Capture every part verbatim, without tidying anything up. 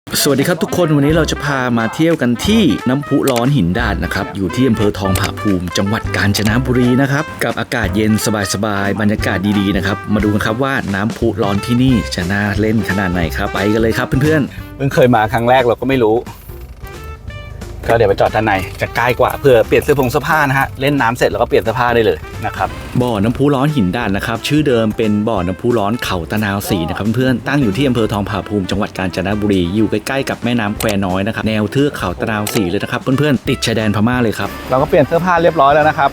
สวัสดีครับทุกคนวันนี้เราจะพามาเที่ยวกันที่น้ำพุร้อนหินดาดนะครับอยู่ที่อำเภอทองผาภูมิจังหวัดกาญจนบุรีนะครับกับอากาศเย็นสบายๆบรรยากาศดีๆนะครับมาดูกันครับว่าน้ำพุร้อนที่นี่จะน่าเล่นขนาดไหนครับไปกันเลยครับเพื่อนๆเพิ่งเคยมาครั้งแรกเราก็ไม่รู้ก็เดี๋ยวไปจอดด้านในจะใกล้กว่าเพื่อเปลี่ยนเสื้อผงเสื้อผ้านะฮะเล่นน้ำเสร็จแล้วก็เปลี่ยนเสื้อผ้าได้เลยนะครับบ่อน้ำพุร้อนหินดาดนะครับชื่อเดิมเป็นบ่อน้ำพุร้อนเขาตะนาวสีนะครับเพื่อนๆตั้งอยู่ที่อำเภอทองผาภูมิจังหวัดกาญจนบุรีอยู่ใกล้ๆกับแม่น้ำแควน้อยนะครับแนวเทือกเขาตะนาวสีเลยนะครับเพื่อนๆติดชายแดนพม่าเลยครับเราก็เปลี่ยนเสื้อผ้าเรียบร้อยแล้วนะครับ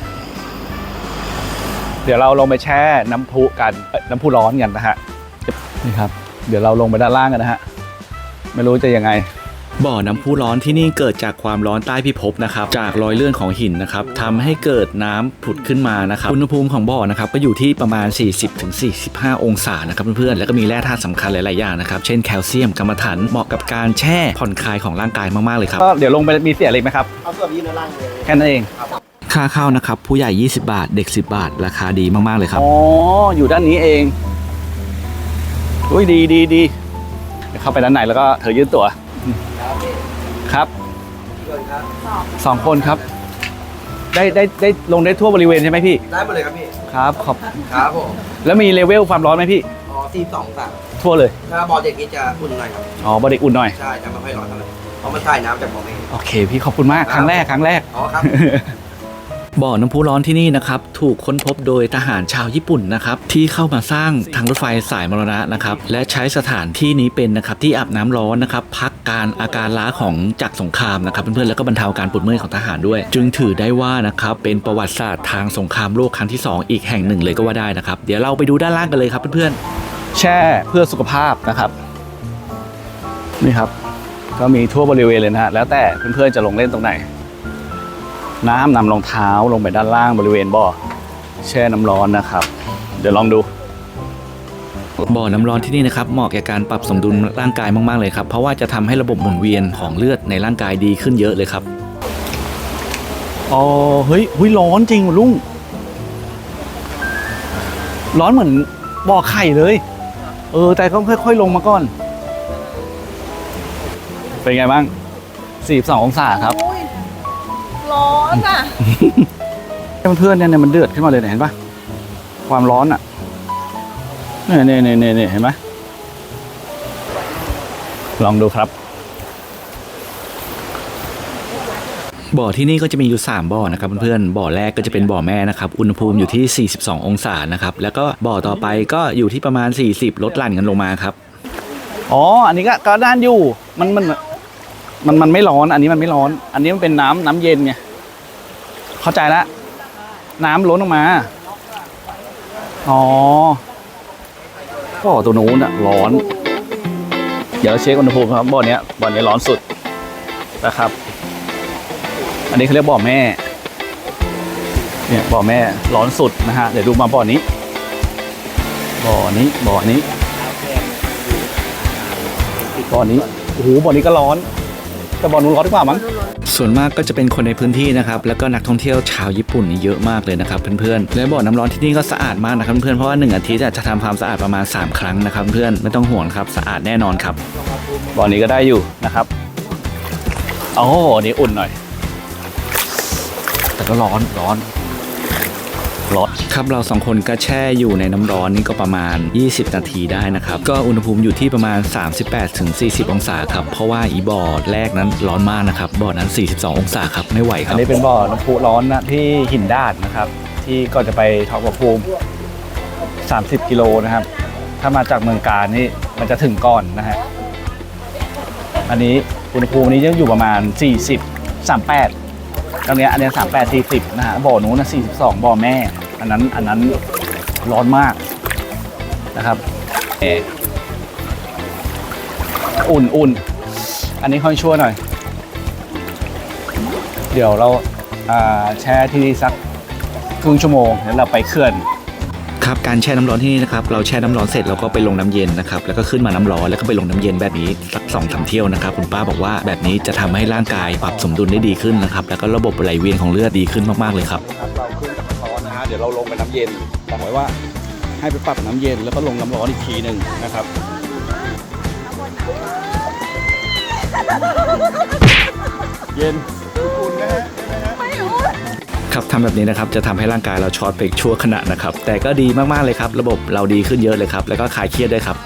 เดี๋ยวเราลงไปแช่น้ำพุกันน้ำพุร้อนกันนะฮะนี่ครับเดี๋ยวเราลงไปด้านล่างกันนะฮะไม่รู้จะยังไงบ่อน้ำพุร้อนที่นี่เกิดจากความร้อนใต้พิภพนะครับจากรอยเลื่อนของหินนะครับทำให้เกิดน้ำผุดขึ้นมานะครับอุณหภูมิของบ่อนะครับก็อยู่ที่ประมาณ สี่สิบถึงสี่สิบห้า องศานะครับเพื่อนๆแล้วก็มีแร่ธาตุสำคัญหลายๆอย่างนะครับเช่นแคลเซียมกรรมฐานเหมาะกับการแช่ผ่อนคลายของร่างกายมากๆเลยครับก็เดี๋ยวลงไปมีเสียอะไรไหมครับเอาเสื้อยืนล่างเลยแค่นั้นเองค่าเข้านะครับผู้ใหญ่ยี่สิบบาทเด็กสิบบาทราคาดีมากๆเลยครับอ๋ออยู่ด้านนี้เองอุ้ยดีดีดีเข้าไปด้านในแล้วก็เธอยืดตัวครับสองคนครับได้ได้ได้ลงได้ทั่วบริเวณใช่ไหมพี่ได้หมดเลยครับพี่ครับขอบครับผมแล้วมีเลเวลความร้อนไหมพี่อ๋อสี่สองสามทั่วเลยถ้าบอลเด็กนี้จะอุ่นหน่อยครับอ๋อบอลเด็กอุ่นหน่อยใช่จะไม่ค่อยร้อนเท่าไหร่เพราะมันถ่ายน้ำจากบ่อเองโอเคพี่ขอบคุณมากครั้งแรกครั้งแรกอ๋อครับบ่อน้ำพุร้อนที่นี่นะครับถูกค้นพบโดยทหารชาวญี่ปุ่นนะครับที่เข้ามาสร้างทางรถไฟสายมรณะนะครับและใช้สถานที่นี้เป็นนะครับที่อาบน้ำร้อนนะครับพักการอาการล้าของจากสงครามนะครับเพื่อนๆแล้วก็บรรเทาการปวดเมื่อยของทหารด้วยจึงถือได้ว่านะครับเป็นประวัติศาสตร์ทางสงครามโลกครั้งที่สองอีกแห่งหนึ่งเลยก็ว่าได้นะครับเดี๋ยวเราไปดูด้านล่างกันเลยครับเพื่อนๆแช่เพื่อสุขภาพนะครับนี่ครับก็มีทั่วบริเวณเลยนะฮะแล้วแต่เพื่อนๆจะลงเล่นตรงไหนน้ำนำรองเท้าลงไปด้านล่างบริเวณบ่อแช่น้ำร้อนนะครับเดี๋ยวลองดูบ่อน้ำร้อนที่นี่นะครับเหมาะแก่การปรับสมดุลร่างกายมากๆเลยครับเพราะว่าจะทำให้ระบบหมุนเวียนของเลือดในร่างกายดีขึ้นเยอะเลยครับอ๋อเฮ้ยเฮ้ยร้อนจริงลุงร้อนเหมือนบ่อไข่เลยเออแต่ก็ค่อยๆลงมาก่อนเป็นไงบ้างสี่สิบสององศาครับร้อนอ่ะเพื่อนๆเนี่ยมันเดือดขึ้นมาเลยเห็นปะความร้อนอ่ะเนี่ยเนี่ยเนี่ยเนี่ยเห็นไหมลองดูครับบ่อที่นี่ก็จะมีอยู่สามบ่อนะครับเพื่อนๆบ่อแรกก็จะเป็นบ่อแม่นะครับอุณหภูมิอยู่ที่สี่สิบสององศานะครับแล้วก็บ่อต่อไปก็อยู่ที่ประมาณสี่สิบลดหลั่นกันลงมาครับอ๋ออันนี้ก็ก็ด้านอยู่มันมันมันมันไม่ร้อนอันนี้มันไม่ร้อนอันนี้มันเป็นน้ำน้ำเย็นไงเข้าใจแล้วน้ำล้นออกมาอ๋อบ่อตัวนู้นอะร้อนเดี๋ยวเราเช็คอุณหภูมิครับบ่อนี้บ่อนี้ร้อนสุดนะครับอันนี้เขาเรียกบ่อแม่เนี่ยบ่อแม่ร้อนสุดนะฮะเดี๋ยวดูมาบ่อนี้บ่อนี้บ่อนี้บ่อนี้โอ้โหบ่อนี้ก็ร้อนแต่บ่อนู้นร้อนกว่ามั้งส่วนมากก็จะเป็นคนในพื้นที่นะครับแล้วก็นักท่องเที่ยวชาวญี่ปุ่นนี่เยอะมากเลยนะครับเพื่อนๆและบ่อน้ำร้อนที่นี่ก็สะอาดมากนะครับเพื่อนๆเพราะว่าหนึ่งอาทิตย์จะทำความสะอาดประมาณสามครั้งนะครับเพื่อนไม่ต้องห่วงครับสะอาดแน่นอนครับบ่อนี้ก็ได้อยู่นะครับโอ้โหนี่อุ่นหน่อยแต่ก็ร้อนร้อนร้อนครับเราสองคนก็แช่อยู่ในน้ำร้อนนี่ก็ประมาณยี่สิบนาทีได้นะครับก็อุณหภูมิอยู่ที่ประมาณ สามสิบแปดถึงสี่สิบ องศาครับเพราะว่าอีบ่อแรกนั้นร้อนมากนะครับบ่อนั้นสี่สิบสององศาครับไม่ไหวครับอันนี้เป็นบ่อน้ำพุร้อนนะที่หินดาดนะครับที่ก็จะไปทองผาภูมิสามสิบกิโลนะครับถ้ามาจากเมืองกาญนี่มันจะถึงก่อนนะฮะอันนี้อุณหภูมินี้ยังอยู่ประมาณสี่สิบ สามสิบแปดตรงนี้อันนี้สามสิบแปด สี่สิบนะฮะบ่อนู้นนะสี่สิบสองบ่อแม่อันนั้นอันนั้นร้อนมากนะครับเอออุ่นอุ่นอันนี้ค่อยชั่วหน่อยเดี๋ยวเราแช่ที่นี่สักครึ่งชั่วโมงแล้วเราไปเขื่อนครับการแช่น้ำร้อนที่นี่นะครับเราแช่น้ำร้อนเสร็จเราก็ไปลงน้ำเย็นนะครับแล้วก็ขึ้นมาน้ำร้อนแล้วก็ไปลงน้ำเย็นแบบนี้สักสองสามเที่ยวนะครับคุณป้าบอกว่าแบบนี้จะทำให้ร่างกายปรับสมดุลได้ดีขึ้นนะครับแล้วก็ระบบไหลเวียนของเลือดดีขึ้นมากๆเลยครับเราขึ้นจากน้ำร้อนนะฮะเดี๋ยวเราลงไปน้ำเย็นบอกไว้ว่าให้ไปปรับน้ำเย็นแล้วก็ลงน้ำร้อนอีกทีหนึ่งนะครับเย็นอุ่นนะฮะครับทำแบบนี้นะครับจะทำให้ร่างกายเราช็อตไปชั่วขณะนะครับแต่ก็ดีมากๆเลยครับระบบเราดีขึ้นเยอะเลยครับแล้วก็คลายเครียดด้วยครับ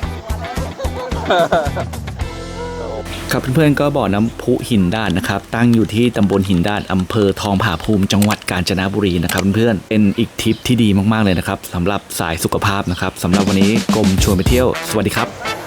ครับเพื่อนๆก็บ่อน้ำพุหินด้านนะครับตั้งอยู่ที่ตำบลหินด้านอำเภอทองผาภูมิจังหวัดกาญจนบุรีนะครับเพื่อนๆเป็นอีกทริปที่ดีมากๆเลยนะครับสำหรับสายสุขภาพนะครับสำหรับวันนี้กรมชวนไปเที่ยวสวัสดีครับ